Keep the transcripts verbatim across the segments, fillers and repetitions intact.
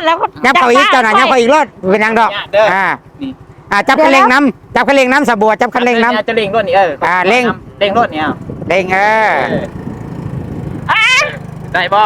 แล้วยับเขาอีกเจ้าหน่อยยับเขาอีกรถเป็นยังดอกอ่าอ่าจับคันเร่งน้ำจับคันเร่งน้ำสบัวจับคันเร่งน้ำจะเร่งรถนี่เอออ่าเร่งเร่งรถเนี่ยเร่งเออได้บ่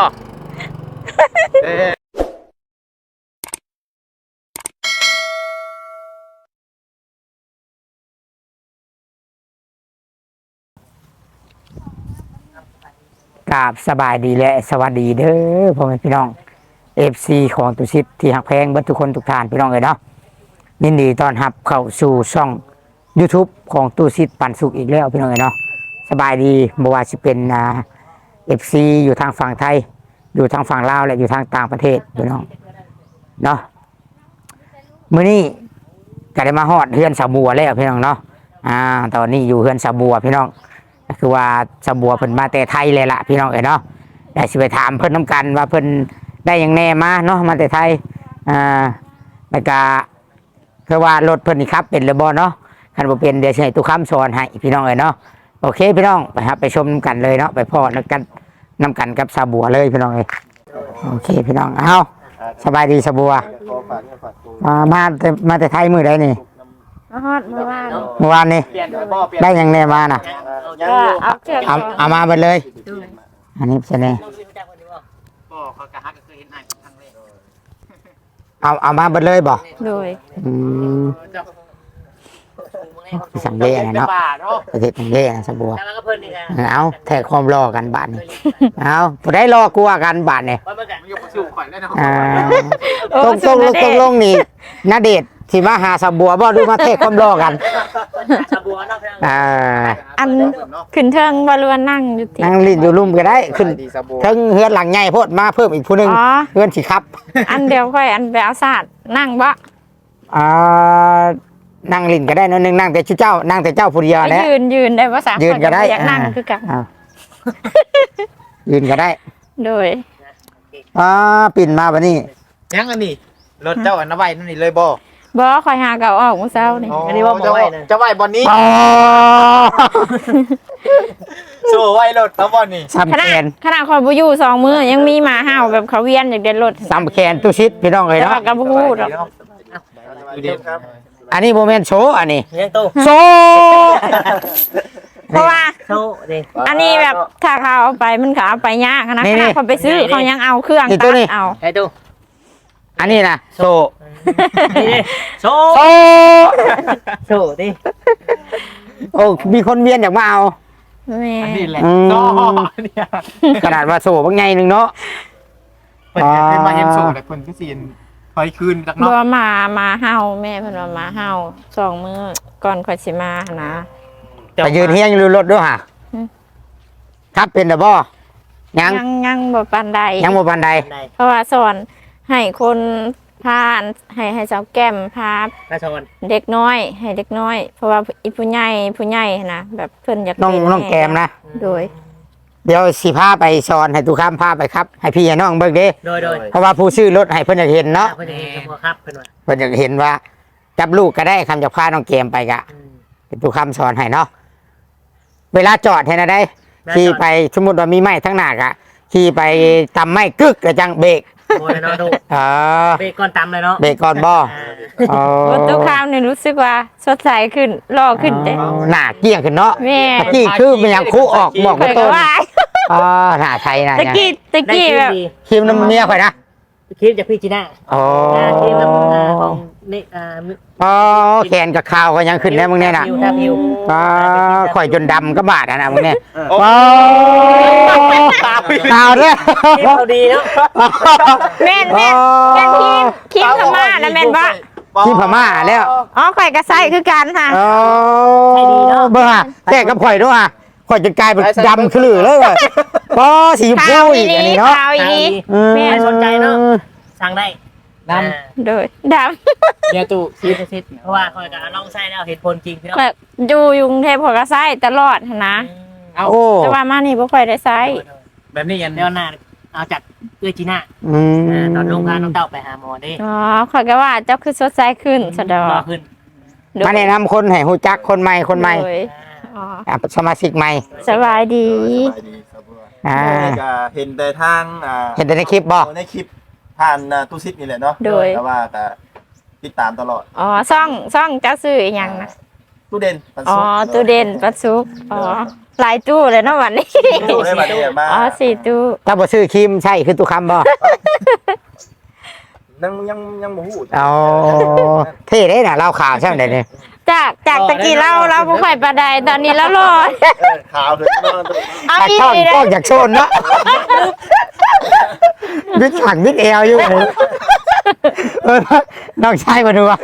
กราบสบายดีและสวัสดีเด้อพ่อแม่พี่น้องเอฟซีของตุชิปที่หักแพงเบิดทุกคนทุกท่านพี่น้องเลยเนาะยินดีต้อนรับเข้าสู่ช่อง YouTube ของตุชิปปันสุขอีกแล้วพี่น้องเลยเนาะสบายดีบ่ว่าสิเป็นอ่าเอฟซีอยู่ทางฝั่งไทยอยู่ทางฝั่งลาวและอยู่ทางต่างประเทศพี่น้องเนาะมื้อนี้ก็ได้มาฮอดเฮือนสาวบัวแล้วพี่น้องเนาะอ่าตอนนี้อยู่เฮือนสาวบัวพี่น้องคือว่าสาวบัวเพิ่นมาแต่ไทยเลยล่ะพี่น้องเอ้ยเนาะได้สิไปถามเพิ่นน้ำกันว่าเพิ่นได้ยังแน่มาเนาะมาแต่ไทยอ่าแล้วก็คือว่ารถเพิ่นนี่ครับเป็นหรือบ่เนาะคันบ่เป็นเดี๋ยวสิให้ตุกคำสอนให้พี่น้องเอ้ยเนาะโอเคพี่น้องไปครับไปชมกันเลยเนาะไปพอนักกันนำกันกับสาวบัวเลยพี่น้องเอ้ยโอเคพี่น้องเอาสบายดีสาวบัวมามาแต่มาแต่ไทยมื้อใดนี่มาฮอดเมื่อวานเมื่อวานนี่ได้ยังแน่มาน่ะก็เอาเชือกเอาเอามาไปเลยอันนี้เป็นไงเอาเอามาไปเลยบ่โดยอืมสังเกตนะเนาะประเทศสังเกตนะสบัวเอาแทกความรอกันบาทนี่เอาพอได้รอกลัวกันบาทนี่ต้องต้องลงต้องลงนี่นาเดชที่มาหาสบัวบ่ดูมาแทกความรอกันอ่าอันขึ้นเทิงบอลวนนั่งอยู่ที่นั่งลิ้นอยู่ลุ่มก็ได้ขึ้นเทิงเฮือนหลังใหญ่โพดมาเพิ่มอีกผู้นึงเฮือนสิครับอันเดียวค่อยอันไปเอาศาสตร์นั่งบ่อ่านั่งลิ้นก็ได้นั่นนึงนั่งแต่เจ้านั่งแต่เจ้าผู้เดียวแหละยืนยืนได้ภาษายืนก็ได้อยากนั่งคือกันยืนก็ได้โดยอ่าปิ่นมาบัดนี้ยังอันนี้รถเจ้าอันนไว้นั่นนี่เลยบ่บ่คอยหาเก่าออกมื้อเช้านี่อันนี้ว่าบ่ไว้จะไว้บ่นี้โซ่ไว้รถเขาบ่นี่ซ้ำแขนขนาดคอยบ่อยู่สองมื้อยังมีหมาเห่าแบบเขาเวียนอยากเดินรถซ้ำแขนตู้ชิดพี่น้องเอ้ยเนาะก็บ่ฮู้ดอกอันนี้โมเมนต์โชว์อันนี้โชเพราะว่าอันนี้แบบถ้าเขาเอาไปมันก็เอาไปยากนะขนาดเขาไปซื้อเขายังเอาเครื่องตัดเอาไอ้ตู้อันนี้นะโชโชว์โชว์ดิโอ้มีคนเวียนอยากมาเอาอันนี้แหละโชว์เนี่ยขนาดว่าโชว์บางไงหนึ่งเนาะเปิดเป็นมาเห็นโชว์แต่คนก็ซีนคอยคืนจากนอกบ่มามาเฮาแม่เพิ่นว่ามาเฮาสองมื้อก่อนค่อยสิมานะไปยืนเฮียงอยู่รถด้วยค่ะครับเป็นแต่บ่ยังยังยังบ่ปานใดยังบ่ปานใดเพราะว่าสอนให้คนพาให้ให้สาวแก้มพาเด็กน้อยให้เด็กน้อยเพราะว่าอีผู้ใหญ่ผู้ใหญ่นะแบบเพิ่นอยากน้องน้องแก้มนะโดยเดี๋ยวสิพาไปสอนให้ตุข้ามพาไปครับให้พี่น้องเบิ่งเด้โดยโดยเพราะว่าผู้ซื้อรถให้เพิ่นอยากเห็นเนาะเพิ่นอยากเห็นครับเพิ่นว่าเพิ่นอยากเห็นว่าจับลูกก็ได้คำจะพาน้องแก้มไปกะเป็นตุข้ามสอนให้เนาะเวลาจอดให้นะได้ขี่ไปสมมุติว่ามีไม้ทั้งหน้ากะขี่ไปตำไม้กึกกระจังเบรกโอ้ยเนาะดูอ๋อเบรกก่อนตำเลยเนาะเบรกก่อนบ่อ๋อตุข้ามเนี่ยรู้สึกว่าสดใสขึ้นหล่อขึ้นเด้หน้าเกี้ยงขึ้นเนาะแม่ตะกี้คือมันยังคู่ออกบอกกับต้นอ๋อหน้าไทยนะตะกี้ตะกี้แบบคิมน้ำเมียข่อยนะคิมจากพี่จีน่าอ๋อคิมน้ำของนี่อ่าอ๋อแขนกับข่าวก็ยังขึ้นแล้วมึงเนี่ยนะอ๋อข่อยจนดำก็บาดนะมึงเนี่ยอ๋อข่าวเนี่ยข่าวดีเนาะแม่นแม่นแม่นคิมคิมพม่านะแม่นว่าคิมพม่าแล้วอ๋อข่อยกระไซคือกันค่ะอ๋อเบ้อแก่กับข่อยด้วยอ่ะข่อยจะกลายเป็นดำขลุ่ยเลยว่ะก็สีชมพูอีกอันนี้เนาะข่าวอีนี้แม่สนใจเนาะสั่งได้ดำโดยดำเดี๋ยวตู้ซีดซีดเพราะว่าคอยกับน้องไส้แล้วเห็นผลจริงพี่น้องอยู่ยุงเทพข่อยกระไซตลอดนะเอาแต่ว่ามานี่บ่ค่อยได้ไซแบบนี้ยันเดี๋ยวหน้าเอาจากเอื้อจีน่าตอนลงการน้องเต้าไปหาหมอได้อ๋อข่อยก็ว่าเจ้าคือสดใสขึ้นสะดวกขึ้นมาแนะนำคนให้ฮู้จักคนใหม่คนใหม่อ๋อสมาชิกใหม่สบายดีอ่าเห็นแต่ทางเห็นแต่ในคลิปบ่ในคลิปทผ่านอ่าตู้ซิปนี่แหละเนาะโดยแต่ว่าก็ติดตามตลอดอ๋อซ่องซ่องเจ้าซื้ออีหยังนะตู้เด่นปันอ๋อสุกตู้เด่นปัดซุกอ๋อหลายตู้เลยเนาะวันนี้ตู้ได้บัดนี้มาอ๋อสี่ตู้ถ้าบ่ซื้อครีมใช่คือตุคำบ่ยังยังยังบ่ฮู้เอาเท่เด้น่ะเล่าข่าวใช่ไหมเนี่ยจากจากตะกี้เราเราบ่ค่อยปานใดตอนนี้เรารอดเออขาวเลยเนาะเอาตัดอีช่องกเลยกล้องจากโซนเนาะวิดหังวิดเอวอยู่เลยเออน้องชายมาดูว่า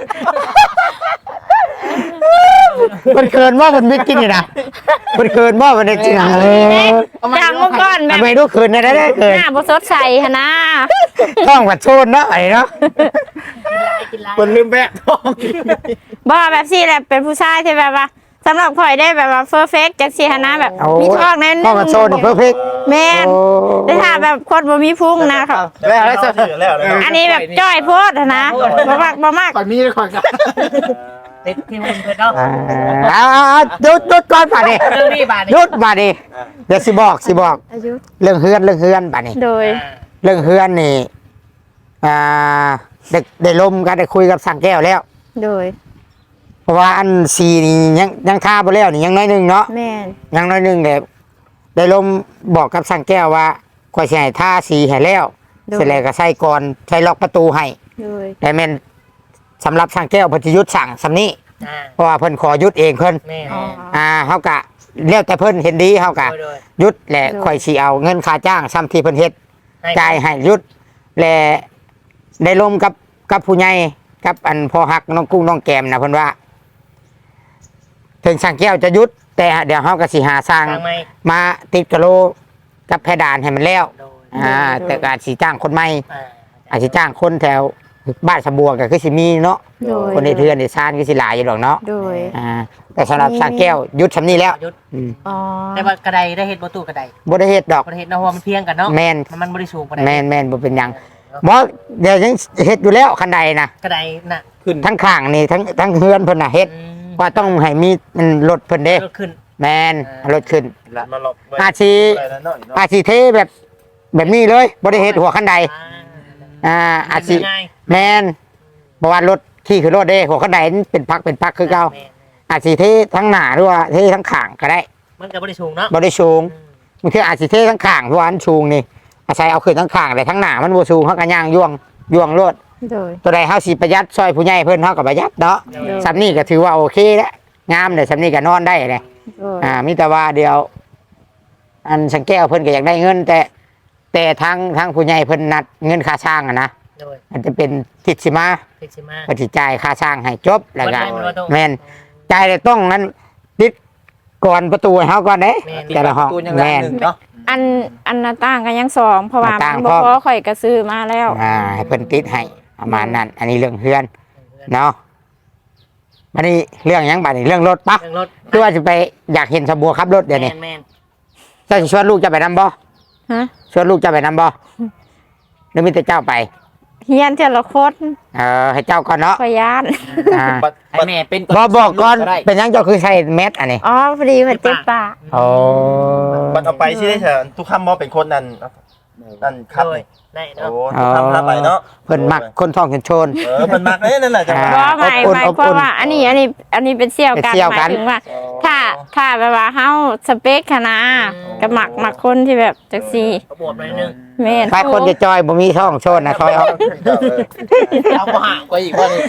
มันเกินว่ามันวิดกินนี่นะมันเกินว่ามันจริงอ่ะเออจากเมื่อก่อนแบทำบไมรู้คืนนะได้ได้เกินหน้าบ่สดใสหั่นนะท้องวัดโซนเนาะไอ้เนาะกินไรมันลืมแบะท้องบ่แบบซี่แหละเป็นผู้ชายที่แบบว่าสำหรับข่อยได้แบบว่าเฟอร์เฟกจังซี่หั่นนะแบบโอ้มีท้องแน่นท้องวัดโซนเพอร์เฟกต์แม่นแต่ถ้าแบบคนบ่มีพุงนะครับแล้วแล้วแล้วแล้วอันนี้แบบจ้อยโพดหั่นนะบ่มากบ่มากก่อนมีก่อนกันติดที่มันเพื่อนเนาะเอาเอาเอาหยุดหยุดก่อนป่ะนี่เรื่องนี้บาดหยุดป่ะนี่เดี๋ยวสิบอกสิบอกอายุเรื่องเฮือนเรื่องเฮือนป่ะนี่โดยเรื่องเฮือนนี่อ่าได้ได้ลมกันได้คุยกับสังแก้วแล้วโดยเพราะว่าอันสีนี่ยังยังท่าไปแล้วนี่ยังน้อยหนึงเนาะแม่นยังน้อยหนึงเดี๋ยวได้ลมบอกกับสังแก้วว่าข่อยสิให้ท่าสีให้แล้วโดยเสร็จแล้วก็ใส่ก่อนใส่ล็อกประตูให้โดยแต่แม่นสำหรับสังแก้วเพิ่นสิหยุดสั่งสำนี้อ่าเพราะว่าเพิ่นขอหยุดเองเพิ่นแม่อ๋ออ่าเฮากะแล้วแต่เพิ่นเห็นดีเฮากะโดยโดยหยุดแหละข่อยสิเอาเงินค่าจ้างซ้ำที่เพิ่นเฮ็ดให้จ่ายให้หยุดและได้ลมกับกับผู้ใหญ่กับอันพอหักน้องกุ้งน้องแกมนะเพิ่นว่า ถึงสังแก้วจะหยุด แต่เดี๋ยวเฮาก็สิหาสร้างทางไม่มาติดกะโลกับเพดานให้มันแล้วโดยอ่าแต่ก็อาจสิจ้างคนใหม่อ่าอาจสิจ้างคนแถวบ้านสะบัวก็คือสิมีเนาะโดยคนในเทือนในซานก็สิหลายอยู่ดอกเนาะโดยอ่าแต่สำหรับสังแก้วหยุดสำนี้แล้วหยุดอืมอ๋อแต่ว่ากระไดได้เห็ดประตูกระไดบ่ได้เฮ็ดดอกประเทศนาะเพราะว่ามันเพียงกันเนาะแม่นมันมันบริสูงกระไดแม่นแม่นบ่เป็นหยังบ่เดี๋ยวยังเฮ็ดอยู่แล้วคันใดนะกระไดน่ะขึ้นทั้งข้างนี่ทั้งทั้งเฮือนเพิ่นน่ะเฮ็ดอืมว่าต้องให้มีมันรถเพิ่นเด้ก็ขึ้นแม่นรถขึ้นมาหลอกไว้อาชีอะไรนั่นเนาะเนาะอาชีเทแบบแบบนี้เลยบ่ได้เฮ็ดหัวคันใดอ่าอ่าอาชีง่ายแม่นบ่ว่ารถขี่คือรถเด้หัวคันใดมันเป็นพักเป็นพักคือเก่าแม่นอาชีเททั้งหน้าหรือว่าเททั้งข้างก็ได้มันก็บริสูงเนาะบ่ได้สูงอืมบางทีอาชีเททั้งข้างเพราะว่าอันสูงนี่อาศัยเอาขึ้นทั้งข้างแต่ทั้งหน้ามันบ่สูงเฮาก็ย่างย่วงย่วงรถโดยตัวใดเฮาสิประหยัดซอยผู้ใหญ่เพิ่นเฮาก็ประหยัดเนาะโดยสำนี้ก็ถือว่าโอเคแล้วงามเลยสำนี้ก็นอนได้เลยโดยอ่ามีแต่ว่าเดียว อันสังแก้วเพิ่นก็อยากได้เงิน แต่แต่ทางทางผู้ใหญ่เพิ่นนัดเงินค่าสร้างอะนะโดยมันจะเป็นทิศสิมาเพ็กซิมาเพิ่นสิจ่ายค่าสร้างให้จบแล้วก็วัดได้ไหมว่าต้องแม่นจ่ายได้ต้องนั้นติดก่อนประตูให้เฮาก่อนเด้แม่นแต่ละห้องตัวยังแม่นหนึ่งเนาะอันอันหน้าต่างก็ยังสองเพราะว่าหน้าต่างมันบ่พร้อมพอข่อยก็ซื้อมาแล้วอ่าให้เพิ่นติดให้ประมาณนั้น อันนี้เรื่องเฮือนเนาะบัดนี้เรื่องหยังบัดนี้เรื่องรถปะเรื่องรถคือว่าจะไปอยากเห็นสะบัวขับรถเดี๋ยวนี้แม่นแม่นเจ้าจะชวนลูกจะไปนำบ่ฮะชวนลูกจะไปนำบ่หรือมีแต่เจ้าไปเฮียนเทละคนเออให้เจ้าก่อนเนาะข่อยย่านอ่าบัดให้บัดแม่เป็นบอบอกก่อนได้เป็นหยังเจ้าคือใส่แมสอันนี้อ๋อพอดีมันเจ็บปากโอ้บัดเอาไปสิได้เถอะทุกคำบ่เป็นคนนั่นนั่นครับโดยนี่ได้โอ้เนาะทุกคำพาไปเนาะเพิ่นมักคนท้องคนโชนเออเพิ่นมักเอ้นั่นน่ะจังหวะบ่อ่าหมายอบอุ่นหมายอบอุ่นความว่า อันนี้อันนี้อันนี้เป็นเสี่ยวกันเป็นเสี่ยวหกัมาน ยถึงว่า ถ้าถ้าแบบว่าเฮาสเปคค่ะนะก็หมักหมักคนที่แบบจักซี่กระโดดไปนิดนึงแม่นถ้าคนจะจอยบ่มีท้องโชนนะคอยเอาเอาก็ห่างกว่าอีกว่านี่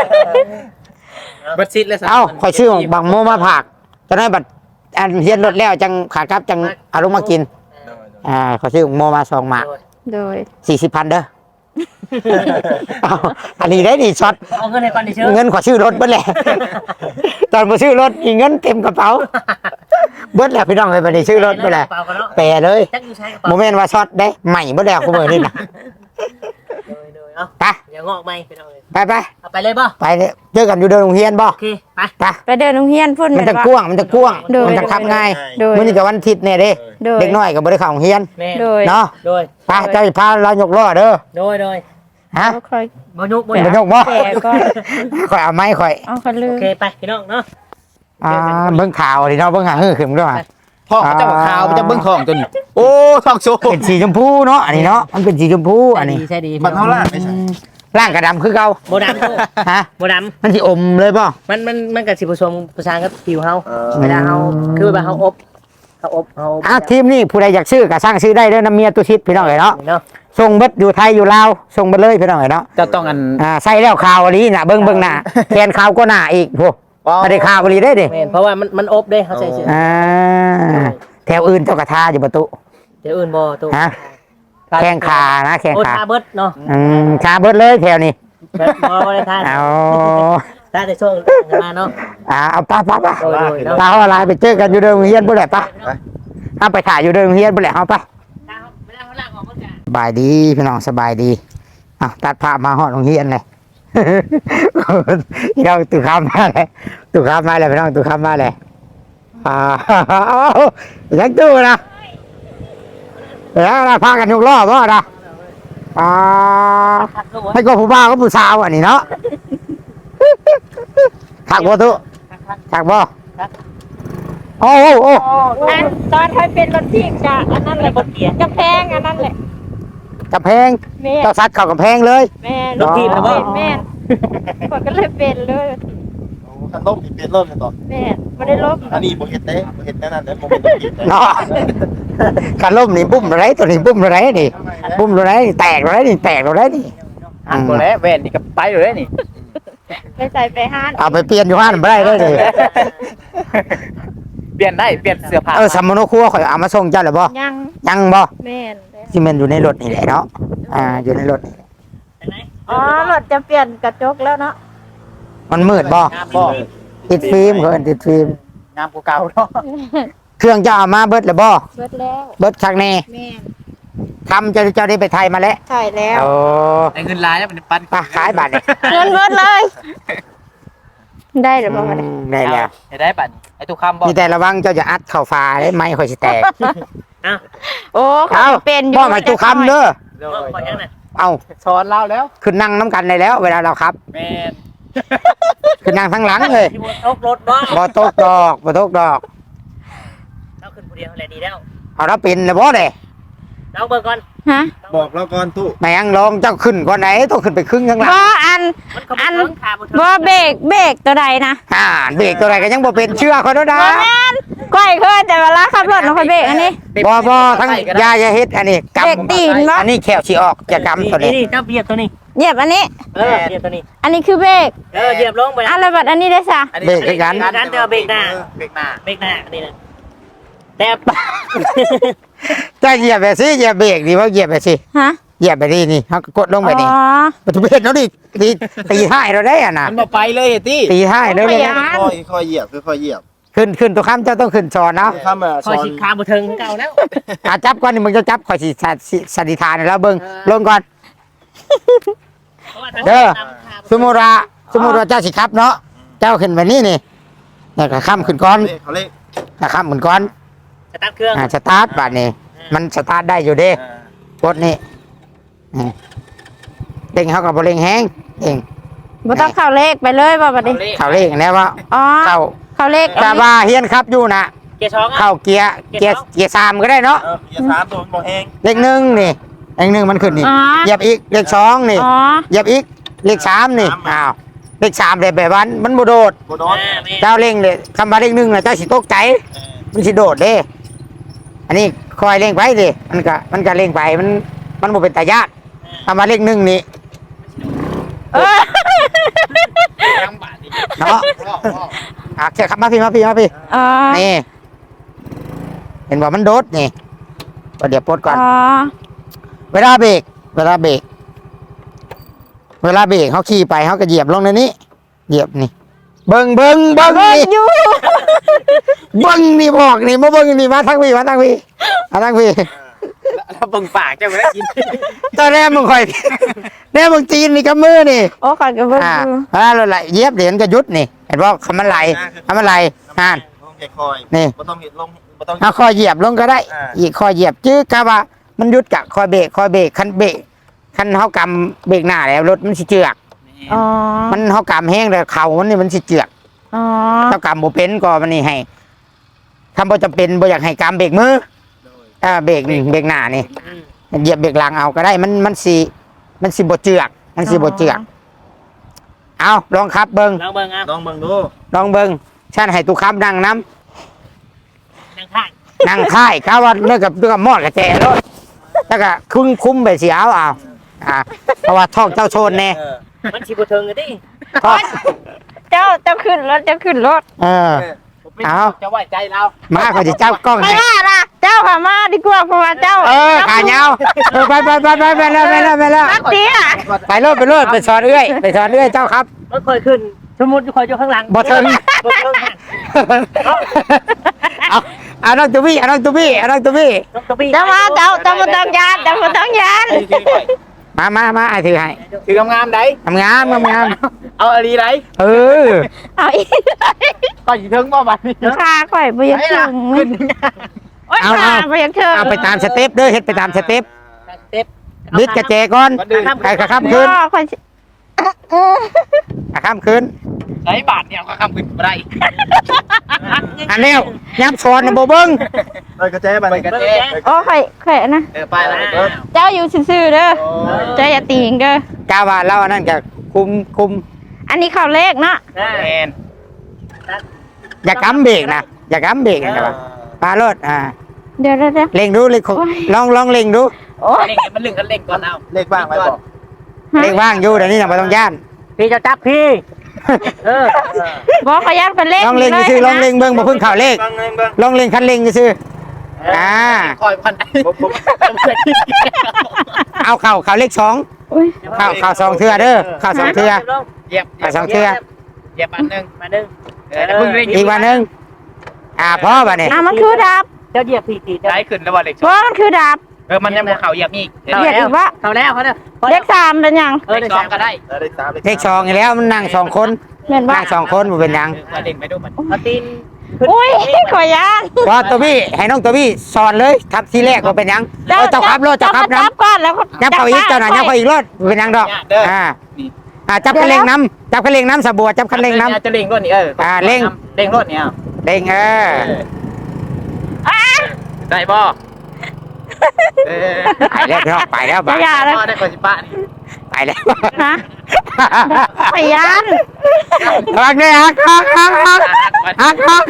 บัดซิดเลยสิเอ้าคอยซื้อบางโมมาผักตอนนั้นบัดอันเฮียนรถแล้วจังขากลับจังเอาลงมากินอ่าขอยซื้อโมมาสองหมากโดยสี่สิบพันเด้อเอาอันนี้ได้ดีช็อตเอาเงินให้ก่อนดิเชื่อเงินขอชื่อรถเบิ้ลแหละ ตอนมาชื่อรถมีเงินเต็มกระเป๋า เบิ้ลแหละพี่น้องเลยไปในชื่อรถไปแหละเปล่ากันเนาะแปรเลยจักอยู่ใช้กระโมเป๋าเมนต์ว่าช็อตได้ใหม่เบิ้ลแล้วคุณเบอร์นี่นะโดยโดยเอ้าไปอย่างอกไหมไปเอาเลยไปไปเอาไปเลยป่ะไปเลยเจอกันอยู่เดินโรงเรียนบ่โอเคไปไปไปเดินโรงเรียนพุ่นมันจะแว่กว้างมันจะกว้างโดยมันจะขับง่ายโดยมันนี่กับวันอาทิตย์เนี่ยเด้โดยเด็กน้อยกับบริเข้าโรงเรียนแม่โดยเนาะโดยไปเจ้าสิพาเรายกล้อเด้อโดยโดยฮะบ่ค่อยบอยุกบอเป็นยุกยกบ่แก่ก่อนข่อยเอาไม้ข่อยเอาคันลืโอมเคไปพี่น้องเนาะอ่าเบิ่งข่าวดิเนาะเบิ่งหาฮือขึ้นด้วยไปท้องเขาเจ้าขาวมันจะเบิ่งท้องตัวนี้โอ้ท้องโซเป็นสีชมพูเนาะอันนี้เนาะมันเป็นสีชมพูอันนี้ใช่ดีมันเท่าล่างไม่ใช่ร่างกระดำคือเก่าโบดำตู้ฮะโบดมันสิอมเลยป่ะำมันมันมันกับสิผสมประสานกับผิวเฮาเออเวลาเฮาคือแบบเฮาอบเฮาอบเฮาอ่ะทีมนี่ผู้ใดอยากซื้อก็สร้างซื้อได้เด้อน้ำเมียตุชิดพี่น้องเอ๋ยเนาะเนาะส่งเบิดอยู่ไทยอยู่ลาวส่งเบิดเลยพี่น้องเอ๋ยเนาะเจ้าต้องอันอ่าใส่แล้วข่าวอันนี้น่ะเบิ่งเบิ่งหน้าแขนข่าวก็หน้าอีกโหไม่ได้ข่าวอันนี้ได้ดิแม่นเพราะว่ามันมันอบเด้เฮาใส่เสื้ออ่าแถวอื่นเจ้ากระทาอยู่ประตูเดี๋ยวอื่นบ่ตู้ฮะแข้งขานะแข้งโอ้ขาทาเบิดเนาะอืมชาเบิดเลยแถวนี้แบบบ่บ่ได้ทาเอาทาแต่ช่วงมาเนาะอ่าเอาป้าป้าป้าโดยโดยเนาะตาเขาอะไรไปเจอกันอยู่เดิมเฮียนบ่แหละป้าเอาไปถ่ายอยู่เดิมเฮียนบ่แหละเอาป้าเวลาเขาล้างออกมันก็สบายดีพี่น้องสบายดีอ่ะตัดภาพมาหอดโรงเรียนเลย พี่น้องตุกข้ามมาเลยตุกข้ามมาเลยพี่น้องตุกข้ามมาเลยอ่า ยังตู้นะแล้วนะพากันยกล้อบ่นะอ่าให้ก็ผู้บ่าวก็ผู้สาวอันนี้เนาะ ถักบ่ตุถักบ่โอ้โอ้โอ้อันตอนเคยเป็นรถที่จะอันนั้นแหละกระแพงอันนั้นแหละกำแพงแม่เจ้าซัดเข้ากำแพงเลยแม่รถถีบเหรอเป็นแม่คนก็เลยเป็นเลยโอ้คันล่มนี่เปลี่ยนเริ่มเลยต่อแม่ไม่ได้ลบอันนี้บ่เฮ็ดเด้บ่เฮ็ดแน่นั่นเด้บ่เป็นตัวผิดเด้เนาะการล่มนี่บุ้มอะไรตัวนี้บุ้มอะไรนี่บุ้มอะไรนี่แตกอะไรนี่แตกอะไรนี่อันบ่แล้วแว่นนี่ก็ไปเลยนี่ไปใส่ไปห้านเอาไปเปลี่ยนอยู่ห้านไม่ได้เลยดิเปลี่ยนได้เปลี่ยนเสื้อผ้าเออสมมโนครัวข่อยเอามาส่งเจ้าหรือบ่ยังยังบ่แม่นที่มันอยู่ในรถนี่แหละเนาะอ่าอยู่ในรถอ๋อรถจะเปลี่ยนกระจกแล้วเนาะมันมืดบ่งามบ่ติดฟิล์มเขาเอิ้นติดฟิล์มงามกว่าเก่าเนาะเครื่องเจ้าเอามาเบิดหรือบ่เบิดแล้วเบิดครั้งนี้แม่นทำเจ้าเจ้าได้ไปไทยมาแล้วใช่แล้วโอ้ได้เงินหลายแล้วมันปันไปขายบัตรนี่เงินเบิดเลย ได้หรือเปล่าอืมได้แล้วให้ได้ปันไอ้ตุกคำบ่มีแต่ระวังเจ้าจะอัดเข้าฟ้าได้ไม้ข่อยสิแตกโอ้เขาเอาเป็นอยู่บ่มาจุคำเด้อโดยขอยังน่ะเอาสอนเราแล้วขึ้นนั่งน้ำกันได้แล้ว เวลาเราครับแม่นขึ้นนั่งทั้งหลังเลยที่บนโต๊ะรถบ่บ่ตกดอกบ่ตกดอกเราขึ้นผู้เดียวแหละดีแล้วเอาเราเป็นแล้วบ่เด้เราเบิ่งก่อนฮะบอกเราก่อนตู้แม่งลองเจ้าขึ้นก่อนไหนต้องขึ้นไปครึ่งข้างหลังบ่อันมันก็อันบ่ถึงขาบ่ถึงบ่เบรกเบรกตัวใดนะอ่าเบรกตัวไหนก็ยังบ่เป็นเชื่อเขาแล้วนะบ่แม่นก้อยเคยแต่เวลาขับรถเราค่อยเบรกอันนี้บ่บ่ทั้งยาอย่าเฮ็ดอันนี้กเบรกตีนบ่ำอันนี้แขวสิออกจะกำตัวนี้นี่เจ้าเบียดตัวนี้เหยียบอันนี้เออเหยียบตัวนี้อันนี้คือเบรกเออเหยียบลงไปอันละบัดอันนี้ได้ซะเบรกคือกันการเจอเบรกหน้าเบรกหน้าเบรกหน้านี่นะแต่จะเหยียบไปสิเหยียบเบรกดีว่าเหยียบไปสิฮะเหยียบไปดินี่เฮากดลงไปนี่อ๋อประตูเบรกเนาะดิตีตีท้ายเราได้อ่ะนะมันบ่ไปเลยติตีท้ายเด้อเลยไม่อยากค่อยค่อยเหยียบค่อยๆเหยียบขึ้นขึ้นตัวค้ำเจ้าต้องขึ้นสอนเนาะข้ามมาคซ้ออย นชิดขาบ่ถึงเก่าแล้วอ่ะจับก่อนนี่มึงจะจับข่อยสิสสิสันนิษฐานให้แล้วเบิ่งลงก่อน เด้อ สมมุติว่าสมมุติว่าเจ้าสิครับเนาะเจ้าขึ้นไปนี่นี่เนี่ยก็ค้ำขึ้นก่อนเขาเลขก็ค้ำขึ้นก่อนสตาร์ทเครื่องอ่าสตาร์ทบัดนี้มันสตาร์ทได้อยู่เด้กดนี่นี่เร่งเขากับบเร่งแห้งเองบ่ต้องเข้าเลขไปเลยบ่บัดนี้เข้าเร่งแล้วว่าอ๋อเข้าเข้าเลขแต่ว่าเฮียนครับอยู่นะเกียร์สองอ่ะเข้าเกียร์เกียร์เกียร์สามก็ได้เนาะเออเหยียบสามตัวมันบ่แห้งเลขหนึ่งนี่เลขหนึ่งมันขึ้นนี่อ๋อเหยียบอีกเลขสองนี่อ๋อเหยียบอีกเลขสามนี่อ้าวเลขสามเลยแบบว่ามันโมโดดบ่โดนเจ้าเร่งเลยคำว่าเลขหนึ่งนะเจ้าสิตกใจมันสิโดดเด้ อันนี้คอยเร่งไปดิมันก็มันก็เร่งไปมันมันบ่เป็นตายากคำว่าเลขหนึ่งนี่เออยังบาดนี่เนาะอ่ะเชื่อครับมาพี่มาพี่มาพี่อ๋อนี่ เห็นว่ามันโดดนี่ก็เดี๋ยวปลดก่อนอ๋อเวลาเบรกเวลาเบรกเวลาเบรกเขาขี่ไปเขาก็เหยียบลงในนี้เหยียบนี่ เบิ้งเบิ้งเบิ้งเบิ่งนี่อยู่เบิ้งนี่บอกนี่มาเบิ้งนี่มาทั้งพี่มาทั้งพี่มาทั้งพี่แล้วเบิ่งปากเจ้าก็ได้กินตอนแรกมึงคอยแรกมึงจีนนี่กับมือนี่โอ้ก่อนก็เบิ่งอ่าอยู่เวลาเราไหลเหยียบเหรียญก็ยุดนี่ เห็นว่าคำมันไหลคำมันไหลห่านลงแค่คอยนี่บ่ต้องเห็นลงบ่ต้องเอาคอยเหยียบลงก็ได้อ่าอีกคอยเหยียบจื้อกะว่ามันยุดกะคอยเบรกคอยเบรกคันเบรกคันเขากำเบรกหน้าแล้วรถมันสิเจือกอ๋อมันเขากำแห้งแล้วเข่ามันนี่มันสิเจือกอ๋อเจ้ากำโมเป็นก็มันนี่ให้คำบ่จำเป็นบ่อยากให้กำเบรกมืออ่าเบรกนี่เบรกหน้านี่เหยียบเบรกหลังเอาก็ได้มันมันสิมันสิบ่เจือกมันสิบ่เจือกเอาลองขับเบิ่งลองเบิ่งเอาลองเบิ่งดูลองเบิ่งฉันให้ตุกคำนั่งน้นั่งข้างำนั่งค่ายข้าว่าเรื่องกับเรื่องกับมอดกับแจรถแล้วก็คุ้มคุ้มไปสิเอาเอาอ่าเพราะว่าท้องเจ้าโชนแน่เออมันสิบ่เทิงกันดิท้องเจ้าเจ้าขึ้นรถเจ้าขึ้นรถเออ เอาจะไว้ใจเรามาเขาจะเจ้ากล้องไม่ให้ว่าล่ะเจ้าค่ะมาดีกว่าเพราะว่าเจ้าเออขาเงาเออไปไปไปไปไปแล้วไปแล้วไปแล้วนักเตี้ยไปรถไปรถไปสอนเอื้อยไปสอนเอื้อยเจ้าครับรถค่อยขึ้นสมมุติคอยอยู่ข้างหลังบ่เทิงบ่เทิงหันเอาเอาน้องตัวบี้เอาน้องตัวบี้เอาน้องตัวบี้น้องตะบี้เจ้ามาเจ้าเจ้ามาต้องยานเจ้ามาต้องยานมามามาไอ้ถือให้ถืองามๆได้ทำงานทำงานเอาอะไรได้เออเอาอีกก็สิถึงบ่บัดนี้ขาข่อยไปยังถึงโอ๊ยขาไปยังถึงเอาไปตามสเต็ปเด้อเฮ็ดไปตามสเต็ปสเต็ปบิดกระเจก่อนไอ้กระข้ามคืนพ่อข่อยสิกระข้ามคืนไอ้บาทเนี่ยก็คำขึ้นบ่ได้อันเร็วยับชอนนะโบเบิ้งไปกระแจบัดไปนี้กันเบิ่งเด้แจ้งโอ้ข่อยข่อยนะเออไปแล้วอ้าวเจ้าอยู่ซื่อๆเด้อเจ้าอย่าตีงเด้อกาว่าเราอันนั้นจะคุมคุมอันนี้ข่าวเลขเนาะอ่าแมนอย่ากำเบรกนะอย่ากำเบรกนะครับปลารถอ่าเดี๋ยวเดี๋ยวเดี๋ยวเล็งดูเล็งลองลองเล็งดูโอ้ยเล่นกันมันลึงกันเล่นก่อนเอาเลขบ้างไว้บอกเล็งว่างอยู่เดี๋ยวนี้นะไม่ต้องย่านพี่จะจับพี่เออบอกขยันเป็นเลขลองเล็งซื่อลองเล็งเบิ้งมาพึ่งข่าวเลขบ้างเงินบ้างลองเล็งคันเล็งซื่ออ่าคอยพันผมผมเอาเข่าเข่าเลขสองอุ้ยเข่าเข่าสองเทือเด้อเข่าสองเทือเหยียบเข่าสองเทือเหยียบอันนึงมาดึงเออแล้วเพิ่งเล่นอีกวันหนึ่งอ่าพ่อป่ะเนี่ยอ่ะมันคือดาบเจ้าเหยียบพี่ตีได้ขึ้นแล้วว่าเล็กเพราะมันคือดาบเออมันยังบ่เข่าเหยียบอีกเข้าเหยียบแล้อีวกวะเข้าแล้วเขาแล้วเลขสามเป็นยังเออเล็เด็กกสอสาง มก็ได้เออเลขสามเลขสองอีกแล้วมันนั่งสองคนเห็นปะนั่งสองคนมันเป็นหยังมาเล่นไปดูมันเอาตีนอุ้ยขอยานว่าตัวพี่ให้น้องตัวพี่สอนเลยทับทีแรกว่าเป็นหยังเออเจ้าขับรถเจ้าขับจัน้บก่อนแล้วำยับเขาอีกเจ้าหน่อยยับเขาอีกรถเป็นหยังดอกอ่าอ่าจับคันเร่งน้ำจับคันเร่งน้ำสะบัวจับคันเร่งน้จะเล่งรถนี่เอออ่าเร่งเล่งรถเนี่ยำเร่งเออได้บ่เออไปแล้วพี่น้องไปแล้วจะอย่าเลยได้คนสิปะนี่ไปแล้วฮะขอยานฮักเลยฮักฮักฮักฮักฮักฮัก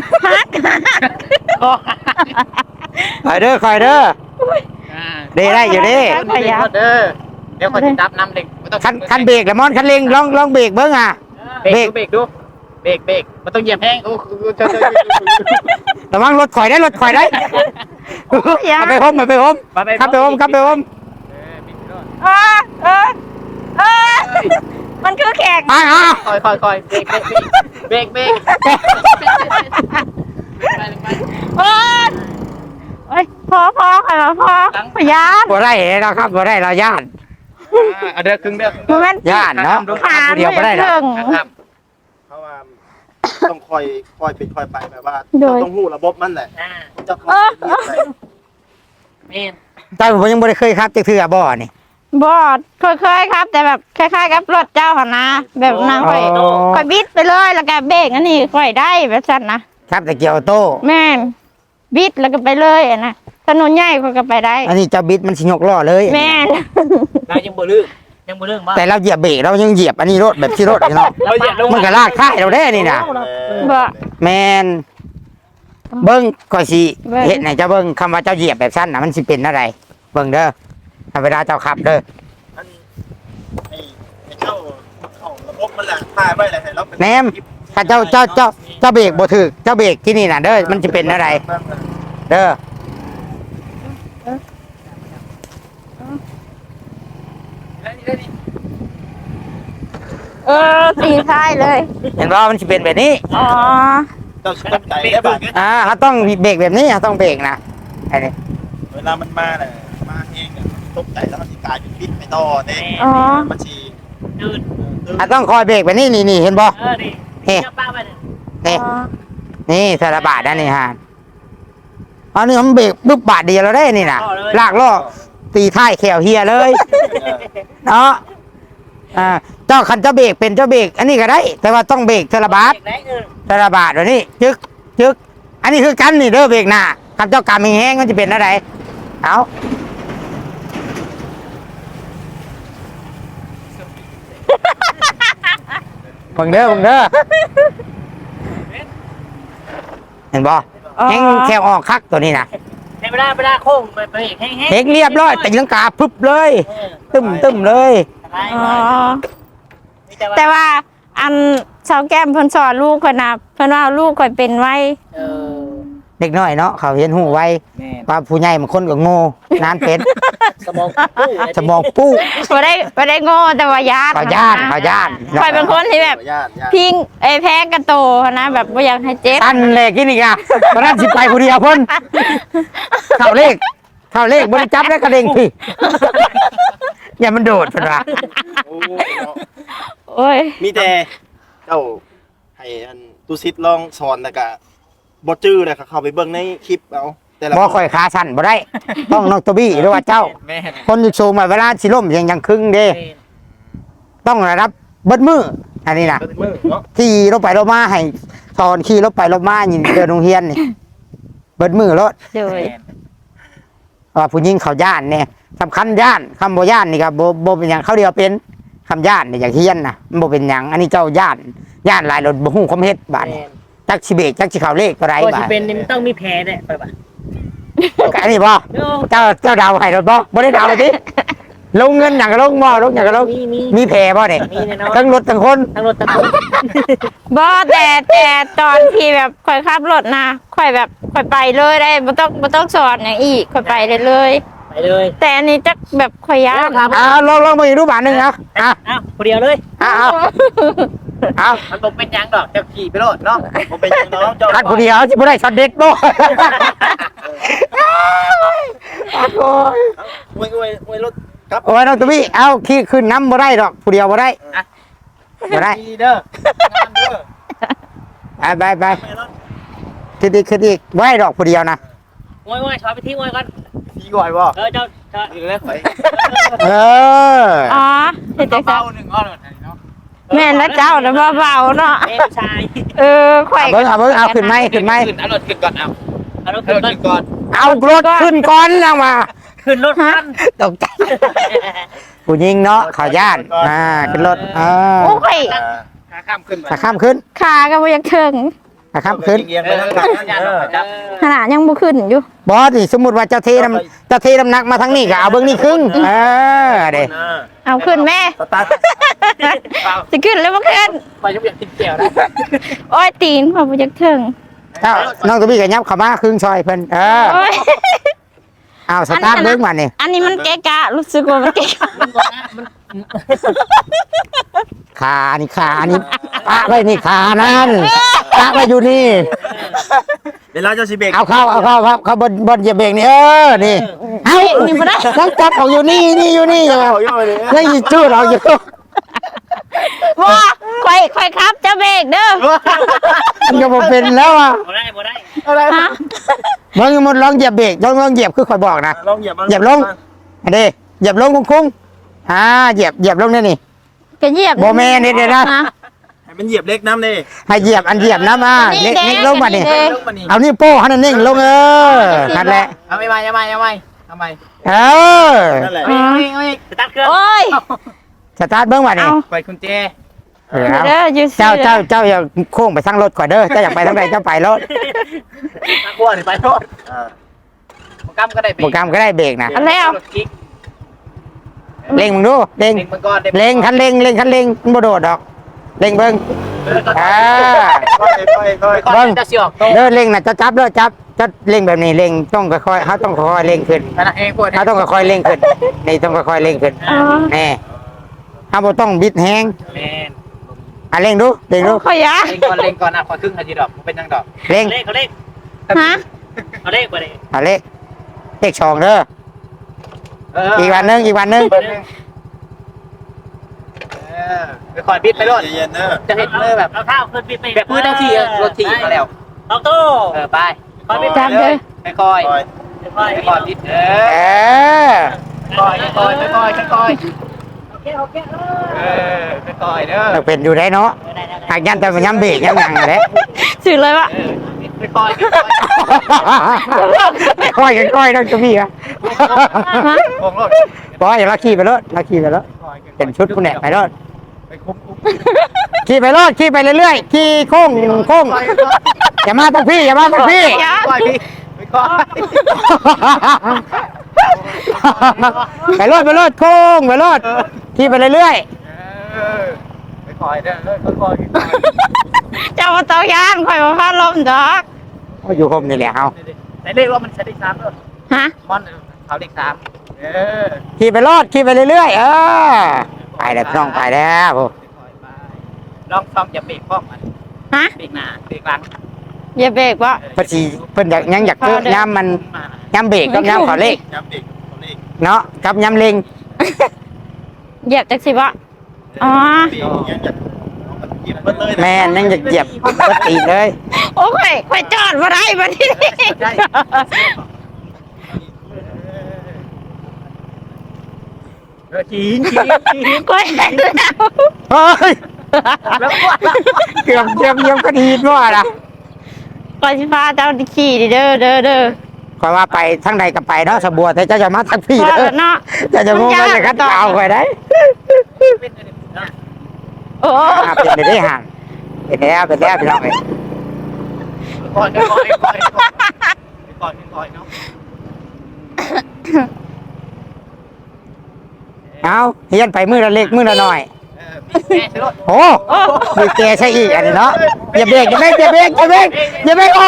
คอยเด้อคอยเด้อเด้ได้อยู่เด้เด้อเดี๋ยวคนสิจับน้ำเด็กคันคันเบรกแล้วมอนคันเร่งลองลองเบรกเบิ้งอ่ะเบรกเบรกดูเบรกเบรกมันต้องเหยียบแห้งโอ้จะระวังรถข่อยได้รถข่อยได้ขับไปโฮมขับไปโฮมขับไปโฮมขับไปโฮมเออเออเออมันคือแขกอ่าอ่าคอยคอยคอยเบรกเบรกเบรกเบรกเออเอ้ยพอพอขอยมาพอขอยานบ่ได้เราครับบ่ได้เราย่านเอาเด้อครึ่งเด้อโมเมนต์ย่านเนาะผ่านเดียวบ่ได้หรอกถึงครับเพราะว่าต้องคอยคอยเป็นคอยไปแบบว่าโดยต้องหู้ระบบมันแหละอ่าจะคอยเป็นเรื่องไปเมนแต่ผมยังบ่ได้เคยครับจักเทื่อบ่นี่บอดเคยๆครับ แต่แบบคล้ายๆกับรถเจ้าหนนะแบบนางค่อยอ๋อค่อยบิดไปเลยแล้วก็เบรกอันนี้ค่อยได้แบบสั้นนะครับแต่เกียวโต้แม่นบิดแล้วก็ไปเลยอะนะถนนใหญ่ค่อยก็ไปได้อันนี้เจ้าบิดมันสิยกล้อเลยแม่นเรายังบ่ลืมยังบ่ลืมบ่แต่เราเหยียบเบรกเรายังเหยียบอันนี้รถแบบที่รถนี่เนาะเราเหยียบลงมันก็ลากท้ายเราได้นี่น่ะบ่แมนเบิ้งก็สิเห็นไหนเจ้าเบิ้งคำว่าเจ้าเหยียบแบบสั้นน่ะมันสิเป็นอะไรเบิ้งเด้อถ้าเวลาเจ้าขับเด้ออันไอ้ไอ้เจ้าเข้าระบบมันแหละถ่ายไว้แหละให้เราเป็นแหนมถ้าเจ้าเจ้าเจ้าเจ้าเบรกบ่ถึกเจ้าเบรกที่นี่น่ะเด้อมันจะเป็นอะไร เด้อเออตีท้ายเลยเห็นว่ามันจะเป็นแบบนี้อ๋อเจ้าสิตกใจได้บ้างอ่าเขาต้องเบรกแบบนี้เขาต้องเบรกนะไอ้นี่เวลามันมาเนี่ยมาเองเนี่ยตกใจแล้วมันสิกลายเป็นพิษไปต่อเด้อ๋อมันสิยืนเขาต้องคอยเบรกแบบนี้นี่นี่เห็นบ่เออนี่เฮ้เจ้าป้าไปเนี่ยนี่อ๋อนี่สารบาทนะนี่ฮะอันนี้มันเบรกปุ๊บบาทเดียวเราได้นี่น่ะลากล้อตีท้ายแขวเฮียเลย เนาะอ่าเจ้าคันเจ้าเบรกเป็นเจ้าเบรกอันนี้ก็ได้ แต่ว่าต้องเบรกสารบาทไหนเออสารบาทแบบนี้จึกจึกอันนี้คือกันนี่เด้อเบรกหน้ากับเจ้ากำแห้งๆมันจะเป็นอะไรเอาเบิ่งเด้อเบิ่งเด้อเห็นบ่แห้งแค่ออกคักตัวนี้นะให้ไม่ได้ไม่ได้โค้งไปไปแห้งแห้งเฮงเรียบร้อยแต่ยังกาพึบเลยตึมตึมเลยอ๋อแต่ว่าอันสาวแก้มเพิ่นสอนลูกเพิ่นน่ะเพิ่นว่าลูกข่อยเป็นไว้เออเด็กน้อยเนาะเขาเห็นหูไวแม่ว่าผู้ใหญ่บางคนก็โง่นานเป็นสมองปู้สมองปู้บ่ได้บ่ได้โง่แต่ว่าญาติเขาญาติเขาญาติข่อยเป็นคนที่แบบญาติญาติพิงเอยแพ้กระโตนะแบบบ่อยากให้เจ็บตันเลยกินอีกอ่ะตอนนั้นสิไปผู้เดียวเพิ่นเข้าเลขเข้าเลขบริจับแล้วกระเด้งพี่อย่ามันโดดเพิ่นว่าโอ้เนาะโอ้ยมีแต่เจ้าให้อันตุซิดลองสอนแล้วก็บ่จื้อเลยค่ะเข้าไปเบิ่งในคลิปเอาแต่ละบ่ค่อยขาสั่นบ่ได้ ต้องน้องตัวบี้หรือว่าเจ้าแม่คนอยู่สูงมาเวลาสิล้มยังยังครึ่งเด้ ต้องระดับเบิดมืออันนี้นะเบิ่งมือเนาะขี่รถไปรถมาให้สอนขี่รถไปรถมายินเดินโรงเรียนนี่เบิดมือรถโดยว่าผู้หญิงเขาย่านเนี่ยสำคัญย่านคำโบย่านนี่ครับโบโบเป็นอย่างเขาเดียวเป็นคำย่านเนี่ยอย่างเฮียนนะมันโบเป็นอย่างอันนี้เจ้าย่านย่านหลายรถบ่ฮู้คมเฮ็ดบาดแม่จักสิเบกจักสิเขาเลขก็ไรก็บาจะดเป็นนี่มันต้องมีแผลเนี่ยไปป่ะก็อันนี้บ่เจ้าเจ้าดาวให้รถบ่บ่ได้ดาวเลยติลงเงินอย่างก็ลงบ่ลงอย่างก็ลงมีมีมีแผลบ่เนี่ยมีแน่นอนทั้งรถทั้งคนทั้งรถทั้งคนบ่แต่แต่ตอนที่แบบข่อยขับรถนะข่อยแบบข่อยไปเลยได้บ่ต้องบ่ต้องสอนอย่างอีกข่อยไปได้เลยไปเลยแต่อันนี้จักแบบข่อยยากครับอ่าลองลองมาอีกรูปบาทหนึงเอาอ่ะอ้าวคนเดียวเลยเอาเอาเอามันบอกเป็นหยังดอกจะขี่ไปโลดเนาะบ่เป็นหยังน้องเจ้าคันผู้เดียวสิบ่ได้ช็อตเด็ดบ่โอ้ยอวยอวยอวยรถครับโอ้ยน้องตุ้ยเอาขี่ขึ้นน้ำบ่ได้ดอกผู้เดียวบ่ได้บ่ได้ดีเด้องามเด้อไปไปไปขึ้นอีกขึ้นอีกบ่ได้ดอกผู้เดียวนะโอ้ยโอ้ยถอยไปที่โอ้ยก่อนดีก่อยบ่เออเจ้าเจ้าดีเลยข่อยเอออ๋อเฮ็ดจังซั่เบาน หนึ่งอ้อเลยเนาะแม่นแล้วเจ้าน่ะเบาๆเนาะเอ้ชายเออข่อยเอาเบิ่งเอาเบิ่งเอาขึ้นไหมขึ้นไหมขึ้นเอารถขึ้นก่อนเอาเอารถเอาขึ้รนถก่อนขึ้นก่อนเอารถขึ้นก่อนแล้วมาขึ้นรถคันตกใจผู้หญิงเนาะเขอย่านอ่าขึ้นรถอ่าโอ้ยอ่าขาข้ามขึ้นไปขาข้ามขึ้นขาก็บ่อยากถึงขาข้ามขึ้นเอียงๆไปทางหลังนั่นเออขนาดยังบ่ขึ้นอยู่บอสนี่สมมุติว่าเจ้าเทน้ำเจ้าเทน้ำหนักมาทางนี้ก็เอาเบิ่งนี่ครึ่งเออเด้อ่าเอาขึ้นแม่สตาร์ทสิขึ้นแล้วบ่ขึ้นไปยังอยากกินแก้วนะโอ้ยตีนพอบ่อยากถึงเจ้าน้องตัวบี้ก็ยับเข้ามาครึ่งซอยเพิ่นเออโอ้ยเอาสตาร์ทเบิ่งมานี่อันนี้มันเกะกะรู้สึกว่ามันเกะกะขานี่ขานี่ปะไว้นี่ขานั่นปะไว้อยู่นี่เวลาเจ้าสิเบรกเอาเข้าเอาเข้าครับเข้าบนบนเหยียบเบรกนี่เออนี่เอานี่บ่ได้ต้องจับออกอยู่นี่นี่อยู่นี่อยู่เอาอยู่เลยยังอีจูดออกอยู่ว่าค่อยค่อยครับจะเบรกเด้อมันก็บ่เป็นแล้วอ่ะบ่ได้บ่ได้ฮะมึงมันลองเหยียบเบรกลองลองเหยียบคือข่อยบอกนะลองเหยียบมันเหยียบลง อันนี้เหยียบลงคุ้งๆอ่าเหยียบเหยียบลงนี่นี่ก็เหยียบบ่แม่นเดี๋ยวๆนะให้มันเหยียบเล็กน้ำนี่ให้เหยียบอันเหยียบนะมาเล็กเล็กลงมานี่เด้ลงมานี่เอานี่โป้ให้นั่นนิ่งลงเออนั่นแหละเอาไม่ไม่เอาไม่เอาไม่เอาไม่เออนั่นแหละเอาไม่เอาไม่สตาร์ทเครื่องโอ้ยสตาร์ทเบิ้งมานี่เอาปล่อยกุญแจเออเอาเด้ออยู่เจ้าเจ้าเจ้าอย่าโค้งไปทางรถก่อนเด้อเจ้าอยากไปทางใดเจ้าไปรถตะกัวนี่ไปโทษอ่าโปรแกรมก็ได้เบรโปรแกรมก็ได้เบรกนะอันแล้วรถกิ๊กเร่งมึงดูเร่งเล็งมันก่อนเร่งคันเร่งเร่งคันเร่งมันบ่โดดดอกเร่งเบิ้งอ่าค่อยๆค่อยๆค่อยก่อนจะเสียออกโตเดินเร่งนะจะจับเด้อจับจะเร่งแบบนี้เร่งต้องค่อยๆเขาต้องค่อยๆเร่งขึ้นขณะเองปวดเขาต้องค่อยๆเร่งขึ้นนี่ต้องค่อยๆเร่งขึ้นอ๋อแน่เขาบ่ต้องบิดแฮงแมนอ่ะเร่งดูเร่งดูค่อยยาเล็งก่อนเล็งก่อนอ่ะขอครึ่งนาทีดอกมันเป็นยังดอกเร่งเลขเขาเลขฮะเขาเลขบ่ได้อ่ะเลขเลขสองเด้อเอออีกวันหนึงอีกวันหนึงเออไปคอยบิดไปรถเย็นๆเนอะจะเห็นเลยแบบเอาเท้าขึ้นบิดไปแบบพื้นทั้งที่รถถีบมาแล้วเอาตู้เออไปคอยบิดจับเด้อไปคอยค่อยคอยไปคอยบิดเอเอออคอยไปคอยไปคอยไปคอยเออไปคอยเด้อเราเป็นอยู่ได้เนาะหากยันแต่มันย้ำเบรกยังหนังเลยสื่อเลยว่าเออบิดไปค่อยค่อยกันค่อยนั่นก็มีอ่ะๆของรถปล่อยอย่าลักขี่ไปรถลักขี่ไปรถเป็นชุดผู้แหนไปรถไปคุ้มคุ้มขี่ไปรถขี่ไปเรื่อยๆขี่โค้งโค้งอย่ามาทางพี่อย่ามาทางพี่ค่อยพี่ไปค่อยไปรถไปรถโค้งไปรถขี่ไปเรื่อยเออไปค่อยเด้อค่อยๆเจ้าบ่ต้องย่านข่อยบ่พาลมดอกๆก็อยู่คมนี่แหละเอาแต่เลขว่ามันใช้ได้สามเลยฮะมอนเขาเลขสามเออขี่ไปรถขี่ไปเรื่อยๆเออไปแล้วพี่น้องไปแล้วโอ้ลองซ่อมอย่าเบรกพร้อมกันฮะเบรกหน้าเบรกหลังอย่าเบรกบ่เพอดีเพิ่นอยากยังอยากเกิดย้ำมันย้ำเบรกกับย้ำขอเลขย้ำเด็กเขาเลขเนาะกับย้ำเล็งเหยียบจักสิบ่อ๋อเด็กยังอยากเอามาเหยียบเบิดเลยนะแม่นยังอยากเหยียบก็ตีเลยโอ้ยข่อยจอดบ่ได้บัดนี้เออจีนจีนจีนข่อยเห็นแล้วเฮ้ยแล้วก็เกือบเกือบเยี่ยมก็ดีด้วยนะข่อยสิพาเจ้าขี่ดิเด้อเด้อเด้อคอยว่าไปทั้งใดก็ไปเนาะสะบัวแต่เจ้าจะมาทั้งพี่พอเด้อแล้วเนาะเจ้าจะงงว่าจะคัดเอาไปได้เป็นอะไรนะโอ้อ่าเป็นไปได้ห่างเป็นแล้วเป็นแล้วพี่น้องเอ้ยก่อนก่อนก่อนก่อนก่อนก่อนเนาะเอาเฮียนไปมือละเล็กมือละน้อยเออแม่ซื้อรถโอ้มีแกใช่อีกอันนี้เนาะอย่าเบรกอย่าเบรกอย่าเบรกอย่าเบรกอย่าเบรกโอ้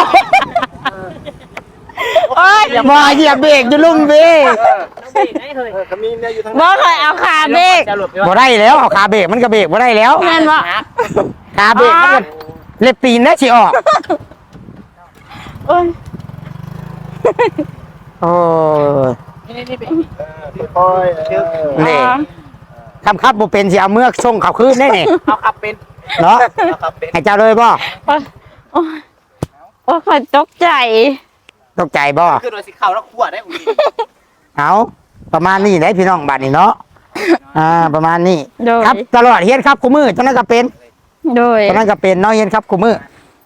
โอ้ยมาอย่าเบรกจะลุ่มเบรกเออก็มีเนี่ยอยู่ทางบ่เคยเอาขาเบรกบ่ได้แล้วเอาขาเบรกมันก็เบรกบ่ได้แล้วแม่นบ่ขาเบรกมันก็เล็บตีนแล้วสิออกโอ้ยโอ้ยนี่นี่เป็นเออค่อยๆเออนี่คำครับบ่เป็นสิเอาเมือกส่งเขาคืนได้นี่เอาขับเป็นเนาะเอาขับเป็นให้เจ้าเลยบ่โอ้ยโอ้ยโอ้ยข่อยตกใจตกใจบ่คือโดยสิเข่าแล้วขวดได้อุ้ยเอาประมาณนี้ได้พี่น้องบัดนี้เนาะอ่าประมาณนี้โดยครับตลอดเฮียนครับคู่มือตอนนั้นก็เป็นโดยตอนนั้นก็เป็นเนาะเฮียนครับคู่มือ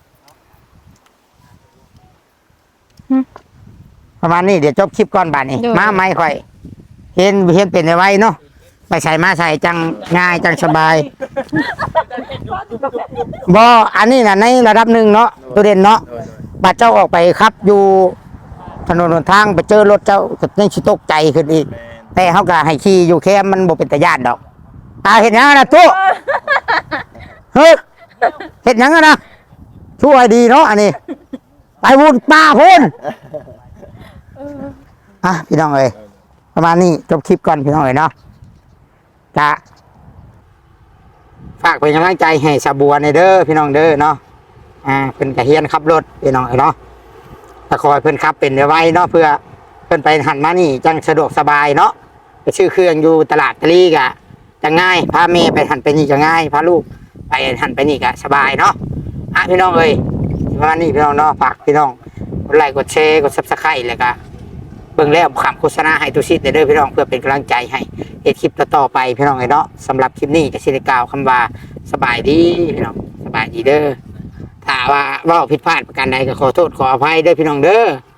หึประมาณนี้เดี๋ยวจบคลิปก่อนบัดนี้โดยมาไม่ค่อย เห็นเห็นเป็นไว้เนาะไปใส่มาใส่จังง่ายจังสบายบ่อันนี้น่ะในระดับหนึ่งเนาะตัวเด่นเนาะบัดเจ้าออกไปครับอยู่ถนนหนทางไปเจอรถเจ้าก็ยังสิตกใจขึ้นอีกแม่นแต่เขาก็ให้ขี่อยู่แค่มันบ่เป็นตาญาติดอกอ่าเห็นยังนะตู้เฮ้ยเห็นยังนะช่วยดีเนาะอันนี้ ไปวุ่นป่าพุ่นอ่ะพี่น้องเอ้ยประมาณนี้จบคลิปก่อนพี่น้องเอ้ยเนาะจะฝากเป็นกำลังใจให้สาบัวในเด้อพี่น้องเด้อเนาะอ่าเพิ่นกระเฮียนขับรถพี่น้องเอ้ยเนาะถ้าคอยเพิ่นขับเป็นไว้เนาะเพื่อเพิ่นไปหันมานี่จังสะดวกสบายเนาะไปซื้อเครื่องอยู่ตลาดตะลีกะจะง่ายพาเมย์ไปหันไปนี่ก็ง่ายพาลูกไปหันไปนี่ก็สบายเนาะอ่ะพี่น้องเอ้ยประมาณนี้พี่น้องเนาะฝากพี่น้องกดไลค์กดแชร์กดซับสไครต์แล้วก็เบิ่งแล้วคำโฆษณาให้ตุชิตเด้อพี่น้องเพื่อเป็นกำลังใจให้เฮ็ดคลิปต่อๆไปพี่น้องเอ้ยเนาะสำหรับคลิปนี้ก็สิได้กล่าวคำว่าสบายดีพี่น้องสบายดีเด้อถ้าว่าเว้าผิดพลาดประการใดก็ขอโทษขออภัยเด้อพี่น้องเด้อ